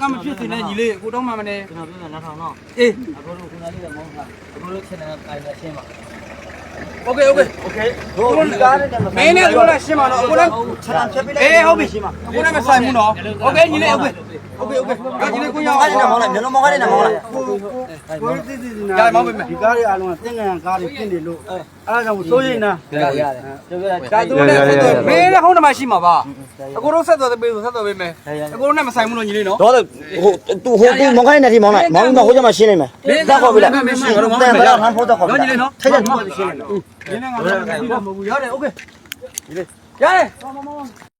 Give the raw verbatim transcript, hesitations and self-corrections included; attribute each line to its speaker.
Speaker 1: မဖြစ်စေနဲ့ညီလေးကိုတော့မှမနေကျွန်တော်ပြောတာနောက်ထောင်တော့အေးအခုတို့ခုနလေးကမောင်းတာအခုတို့ချက်နေတာတိုင်နေရှင်းပါโอเคโอเคโอเคတို့ကားနဲ့မင်းနဲ့တို့လည်းရှင်းပါတော့အခုလည်းချက်တာဖြတ်ပေးလိုက်အေးဟုတ်ပြီအခုလည်းမဆိုင်ဘူးနော်โอเคညီလေးโอเคโอเคโอเคဒါညီလေးကိုရောက်အဲ့ဒါမောင်းလိုက်မျိုးလုံးမောင်းလိုက်နေမောင်းလိုက်ကိုကိုတိတိနာဒါမောင်းပေးမယ်ဒီကားတွေအားလုံးကသင်္ကန်းကားတွေပြင်တယ်လို့အဲ့ဒါကြောင့်စိုးရိမ်တာရတယ်ရတယ်ဒါသူလည်းဆက်သွယ်မင်းလည်းဟုတ်တယ်မရှိမှာပါအခုတို့ဆက်သွယ်ပေးဆိုဆက်သွယ်ပေးမယ်အခုတို့နဲ့မဆိုင်ဘူးလို့ညီလေးနော်
Speaker 2: တော့ဟိုသူဟိုသူမောင်းခိုင်းနေတယ်မောင်းလိုက်မောင်းပြီးမှဟိုကျမှရှင်းလိုက်မယ်တက်ခေါ်ပြီလားတန်ပါလားဟန်ဖို့တက်ခေါ်ပြီလားညီလေးနော်ထိုက်တယ်ဒီမှာရှင်းလိုက်နော်ဒီနေ့ငါတို့ကမဟုတ်ဘူးရတယ်โอเคညီလေးရတယ်